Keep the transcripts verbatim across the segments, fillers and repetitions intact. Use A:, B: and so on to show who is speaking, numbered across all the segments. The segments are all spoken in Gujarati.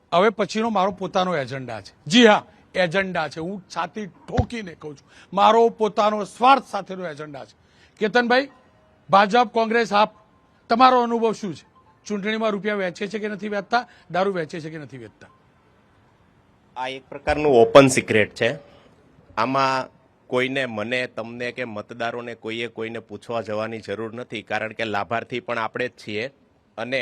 A: હવે પછીનો મારો પોતાનો એજન્ડા છે. જી હા, એજન્ડા છે. હું છાતી ઠોકીને કહું છું, મારો પોતાનો સ્વાર્થ સાથેનો એજન્ડા છે. કેતનભાઈ, ભાજપ, કોંગ્રેસ, આપ, તમારો અનુભવ શું છે? ચૂંટણીમાં રૂપિયા વેચે છે કે નથી વેચતા? દારૂ વેચે છે કે નથી વેચતા?
B: આ એક પ્રકારનું ઓપન સિક્રેટ છે. આમાં કોઈને, મને, તમને કે મતદારોને કોઈએ કોઈને પૂછવા જવાની જરૂર નથી, કારણ કે લાભાર્થી પણ આપણે જ છીએ અને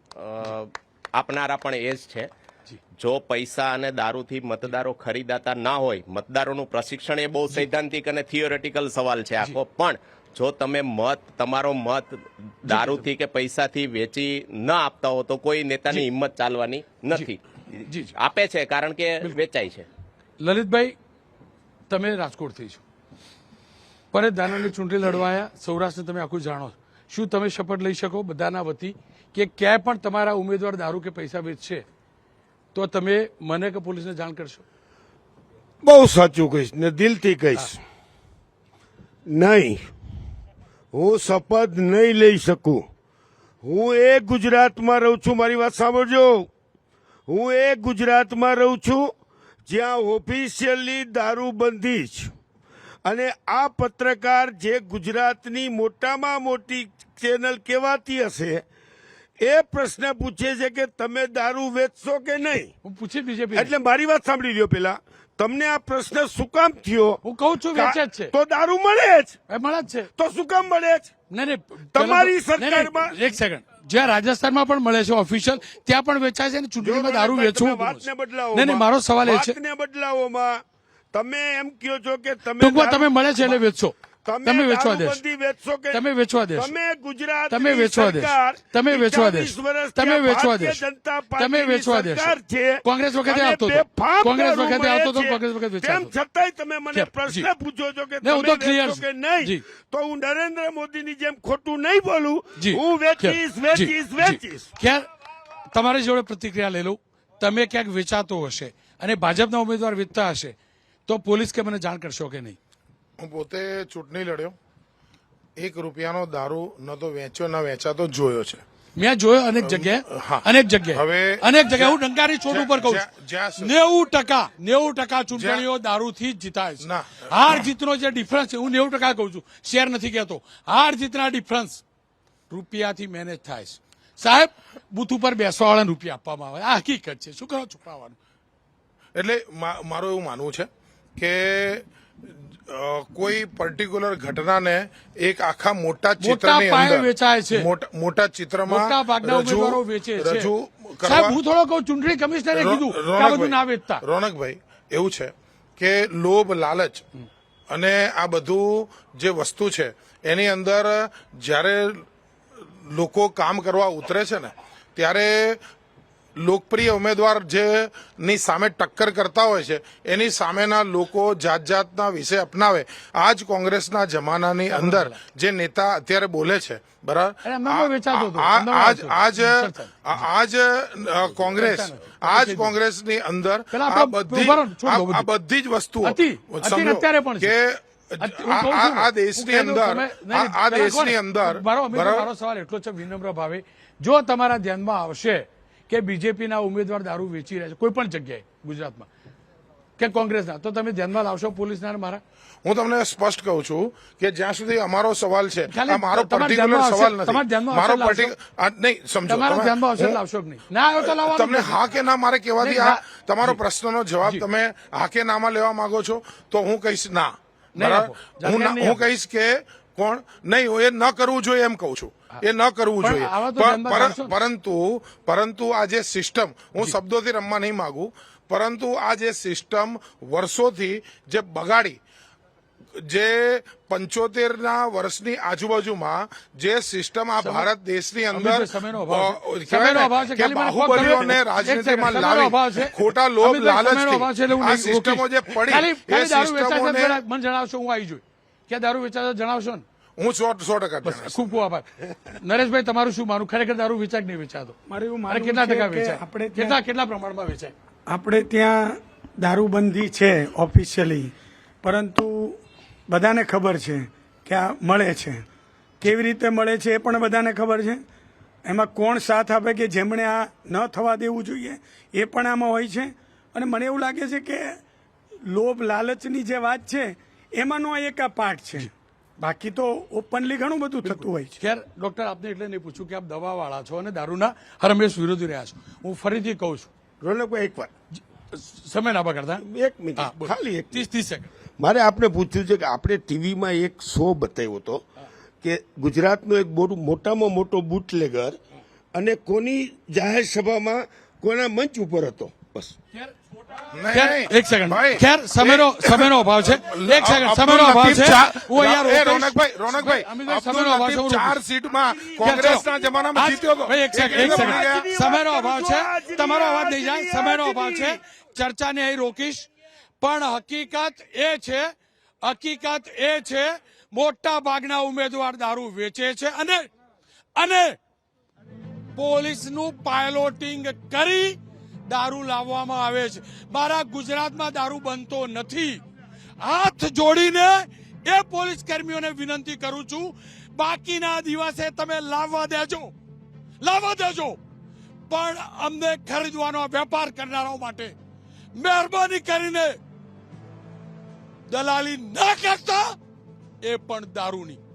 B: આપનારા પણ એ જ છે. જો પૈસા અને દારૂથી મતદારો ખરીદાતા ના હોય, મતદારોનું પ્રશિક્ષણ એ બહુ સૈદ્ધાંતિક અને થિયોરેટિકલ સવાલ છે આખો, પણ જો તમે મત, તમારો મત દારૂથી કે પૈસાથી વેચી ન આપતા હો તો કોઈ નેતાની હિંમત ચાલવાની નથી. આપે છે કારણ કે વેચાય છે.
A: લલિતભાઈ, તમે રાજકોટથી છો, પરેશ ધાનાણી ચૂંટણી લડવાયા, સૌરાષ્ટ્રને તમે આખું જાણો છો. શું તમે શપથ લઈ શકો બધાના વતી કે ક્યાંય પણ તમારા ઉમેદવાર દારૂ કે પૈસા વેચશે તો તમે મને કે પોલીસને જાણ કરશો?
C: બહુ સાચું કહીશ ને દિલથી કહીશ. નહીં, હું શપથ નહીં લઈ શકું. હું એ ગુજરાતમાં રહું છું, મારી વાત સાંભળજો, હું એ ગુજરાતમાં રહું છું જ્યાં ઓફિશિયલી દારૂબંધી છે. અને આ પત્રકાર જે ગુજરાતની મોટામાં મોટી ચેનલ કહેવાતી હશે એ પ્રશ્ન પૂછે છે કે તમે દારૂ વેચશો કે નહીં.
A: હું પૂછી બીજેપી,
C: એટલે મારી વાત સાંભળી લ્યો પેલા. તમને આ પ્રશ્ન શું કામ થયો?
A: હું કહું છું વેચે જ છે
C: તો દારૂ મળે જ,
A: એ મળે જ છે.
C: તો શું કામ મળે જ?
A: નહીં નહીં,
C: તમારી
A: પેલા તો- નહીં, નહીં,
C: સરકારમાં-
A: એક સેકન્ડ, જ્યાં રાજસ્થાનમાં પણ મળે છે ઓફિશિયલ, ત્યાં પણ વેચાય છે અને ચૂંટણીમાં દારૂ વેચવું.
C: વાતને બદલાવો.
A: નહીં નહીં, મારો સવાલ એ છે,
C: વાતને બદલાવોમાં તમે એમ કહો છો કે તમે
A: ટૂંકમાં
C: દારૂ-
A: તમે મળે છે એટલે વેચશો, તમે વેચવા દેશો,
C: દારૂબંધી વેચશો કે
A: તમે વેચવા દેશો,
C: તમે ગુજરાત
A: તમે વેચવા દેશો, તમે વેચવા દેશો, તમે વેચવા દેશો, તમે વેચવા દેશો. કોંગ્રેસ વખતે આવતો હતો, કોંગ્રેસ વખતે આવતો હતો, કોંગ્રેસ વખતે વેચાતો
C: તેમ
A: હતો.
C: છતાંય તમે મને
A: જી.
C: પ્રશ્ન પૂછો છો કે
A: નહીં, હું તો
C: તમે
A: clear
C: વેચશો
A: છું.
C: કે નહીં,
A: જી.
C: તો હું નરેન્દ્ર મોદીની જેમ ખોટું નહીં બોલું.
A: જી.
C: હું વેચીશ
A: જી,
C: વેચીશ
A: જી.
C: વેચીશ.
A: ખેર, તમારી જોડે પ્રતિક્રિયા લઈ લઉં. તમે ક્યાંક વેચાતો હશે અને ભાજપના ઉમેદવાર વેચતા હશે તો પોલીસ કે મને જાણ કરશો કે નહીં?
D: હું પોતે ચૂંટણી લડ્યો, એક રૂપિયાનો દારૂ ન તો વેચ્યો ન વેચાતો જોયો છે.
A: મેં જોયો અનેક જગ્યાએ,
D: હા.
A: અનેક જગ્યાએ,
D: હવે
A: અનેક જગ્યાએ. હું ડંકારી છોડ ઉપર કહું
D: જ્યાં-
A: છું,
D: જ્યાં સુધી-
A: નેવું ટકા નેવું ટકા ચૂંટણીઓ દારૂથી જ જીતાય છે.
D: ના.
A: હાર જીતનો જે ડિફરન્સ છે, હું નેવું ટકા કહું છું, શેર નથી કહેતો. હાર જીતના ડિફરન્સ રૂપિયાથી મેનેજ થાય છે. સાહેબ, બુથ ઉપર બેસવા વાળાને રૂપિયા આપવામાં આવે, આ હકીકત છે. શું કરો છુપાવવાનું?
D: એટલે મા- મારું એવું માનવું છે કે અ, કોઈ પર્ટિક્યુલર ઘટનાને એક આખા મોટા ચિત્રની
A: પાયે
D: અંદર
A: વેચાય છે.
D: મોટા- મોટા ચિત્રમાં
A: મોટા ભાગના ઉમેદવારો
D: રજૂ
A: વેચે છે.
D: રજૂ
A: સાહેબ,
D: કરવા
A: હું થોડો કહું, ચૂંટણી કમિશનરે
D: રો-
A: કીધું કે આ બધું ના વેચતા.
D: રોનકભાઈ, એવું છે કે લોભ, લાલચ અને આ બધું જે વસ્તુ છે એની અંદર જ્યારે લોકો કામ કરવા ઉતરે છે ને ત્યારે લોકપ્રિય ઉમેદવાર જે ની સામે ટક્કર કરતા હોય છે એની સામેના લોકો જાત જાતના વિષય અપનાવે. આજ કોંગ્રેસના જમાનાની અંદર જે નેતા અત્યારે બોલે છે, બરાબર,
A: અરે, એમનામાં વેચાતો હતો.
D: આ-
A: એમનામાં
D: આજ
A: વેચાતો હતો.
D: આજ
A: ચર્ચા.
D: આજ અ, કોંગ્રેસ આજ કોંગ્રેસની અંદર
A: પેલા
D: આ
A: આપણે
D: બધી
A: ઉભા રહો, છોડ દો
D: આ- આ
A: બધી.
D: બધી જ વસ્તુઓ
A: હતી. હતી ને અત્યારે પણ છે.
D: કે
A: હું
D: આ-
A: કહું છું
D: આ
A: ને,
D: આ
A: હું
D: દેશની
A: કહી દઉં,
D: અંદર
A: તમે- નહીં,
D: આ આ
A: પેલા
D: દેશની
A: કોણ?
D: અંદર
A: મારો અમિત,
D: બરાબર
A: મારો સવાલ એટલો છે વિનમ્ર ભાવે, જો તમારા ધ્યાનમાં આવશે કે બીજેપીના ઉમેદવાર દારૂ વેચી રહ્યા છે કોઈ પણ જગ્યાએ ગુજરાતમાં કે કોંગ્રેસના, તો તમે ધ્યાનમાં લાવશો પોલીસના અને મારા?
D: હું તમને સ્પષ્ટ કહું છું કે જ્યાં સુધી અમારો સવાલ છે,
A: ખાલી
D: આ મારો
A: તમારા
D: પર્ટિક્યુલર
A: ધ્યાનમાં
D: સવાલ
A: આવશે- તમારા
D: નથી,
A: ધ્યાનમાં
D: મારો
A: આવશે
D: પર્ટિક્યુલર નહીં સમજો
A: તમારા
D: તમે-
A: ધ્યાનમાં આવશે
D: હું-
A: લાવશો કે નહીં? ના આવ્યો તો લાવવાનું
D: તમને
A: નથી.
D: હા કે ના મારે કહેવાથી
A: નહીં,
D: આ
A: ના.
D: તમારો
A: જી.
D: પ્રશ્નનો જવાબ
A: જી.
D: તમે હા કે નામાં લેવા માંગો છો તો હું કહીશ ના,
A: નહીં
D: બરાબર.
A: આપો.
D: હું
A: જાણકારી
D: ના-
A: નહીં
D: હું
A: આપો.
D: કહીશ કે કોણ નહીં, હું એ ન કરવું જોઈએ એમ કહું છું, એ ન કરવું
A: પણ
D: જોઈએ.
A: આવા તો
D: પર-
A: ધ્યાનમાં
D: પર-
A: રાખશો ને.
D: પરંતુ પરંતુ આ જે સિસ્ટમ, હું શબ્દોથી રમવા નહીં માંગુ, પરંતુ આ જે સિસ્ટમ વર્ષોથી જે બગાડી, જે પંચોતેર ના વર્ષની આજુબાજુમાં જે સિસ્ટમ આ ભારત દેશની અંદર
A: અમિતભાઈ, સમયનો અભાવ છે.
D: અ,
A: સમયનો
D: કહેવાય
A: અભાવ છે.
D: ને કે
A: ખાલી મને કોક
D: બાહુબલીઓને
A: ગમે.
D: રાજનીતિમાં
A: એક સેકન્ડ, સમયનો અભાવ છે.
D: લાવી ખોટા લોભ
A: અમિતભાઈ, સમયનો અભાવ છે એટલે હું
D: લાલચથી આ
A: નહીં
D: સિસ્ટમો જે
A: રોકીશ.
D: પડી
A: ખાલી-
D: એ
A: ખાલી દારૂ વેચાય છે
D: સિસ્ટમોને
A: જરા મને જણાવશો, હું આવી જોઈ કે દારૂ વેચાય છે, જણાવશો ને?
D: હું સો સો ટકા
A: બસ,
D: જણાવીશ.
A: ખૂબ ખૂબ આભાર. નરેશભાઈ, તમારું શું માનું? ખરેખર દારૂ વેચાય કે નહીં વેચાતો?
E: મારે એવું
A: અને
E: માનવું
A: કેટલા
E: છે
A: ટકા
E: કે
A: વેચાય?
E: આપણે ત્યાં-
A: કેટલા કેટલા પ્રમાણમાં વેચાય?
E: આપણે ત્યાં દારૂબંધી છે ઓફિશિયલી, પરંતુ બધાને ખબર છે કે આ મળે છે. કેવી રીતે મળે છે એ પણ બધાને ખબર છે. એમાં કોણ સાથ આપે કે જેમણે આ ન થવા દેવું જોઈએ એ પણ આમાં હોય છે. અને મને એવું લાગે છે કે લોભ લાલચની જે વાત છે એમાંનો એક આ પાર્ટ છે. બાકી તો ઓપનલી ઘણું બધું થતું હોય છે.
A: ખેર ડોક્ટર આપને એટલે નહીં પૂછ્યું કે આપ દવાવાળા છો અને દારૂના હરમેશ વિરોધી રહ્યા છો. હું ફરીથી કહું છું,
C: રોનકભાઈ એક વાર
A: સમય ના બગાડતા.
C: એક મિનિટ
A: હા, બોલો.
C: ખાલી એક
A: ત્રીસ ત્રીસ સેકન્ડ.
C: મારે આપને પૂછ્યું છે કે આપણે ટીવીમાં એક શો બતાવ્યો હતો કે ગુજરાતનો એક બહુ મોટામાં મોટો બુટલેગર અને કોની જાહેર સભામાં કોના મંચ ઉપર હતો. બસ
D: નહીં,
A: ખેર,
D: નહીં.
A: એક સેકન્ડ.
D: ભાઈ,
A: ખેર સમયનો સમયનો અભાવ છે. એક સેકન્ડ, સમયનો અભાવ છે. હું અહીંયા
D: એ
A: રોકાઈશ.
D: રોનકભાઈ રોનકભાઈ
A: અમિતભાઈ,
D: અબ્દુલ
A: સમયનો અભાવ છે. હું
D: લતીફ ચાર
A: રોકાઈશ.
D: સીટમાં કોંગ્રેસના જમાનામાં
A: આજ-
D: જીત્યો હતો.
A: ભાઈ, એક સેકન્ડ, એક
D: એક
A: સેકન્ડ.
D: મળી ગયા.
A: સમયનો અભાવ છે. તમારો અવાજ નહીં જાય. સમયનો અભાવ છે. ચર્ચાને અહીં રોકીશ. પણ હકીકત એ છે હકીકત એ છે મોટા ભાગના ઉમેદવાર દારૂ વેચે છે અને અને પોલીસનું પાયલોટિંગ કરી દારૂ લાવવામાં આવે છે. મારા ગુજરાતમાં દારૂ બનતો નથી. હાથ જોડીને એ પોલીસ કર્મીઓને વિનંતી કરું છું, બાકીના દિવસે તમે લાવવા દેજો લાવવા દેજો પણ અમને ખરીદવાનો વેપાર કરનારાઓ માટે મહેરબાની કરીને દલાલી ના કરતા, એ પણ દારૂની.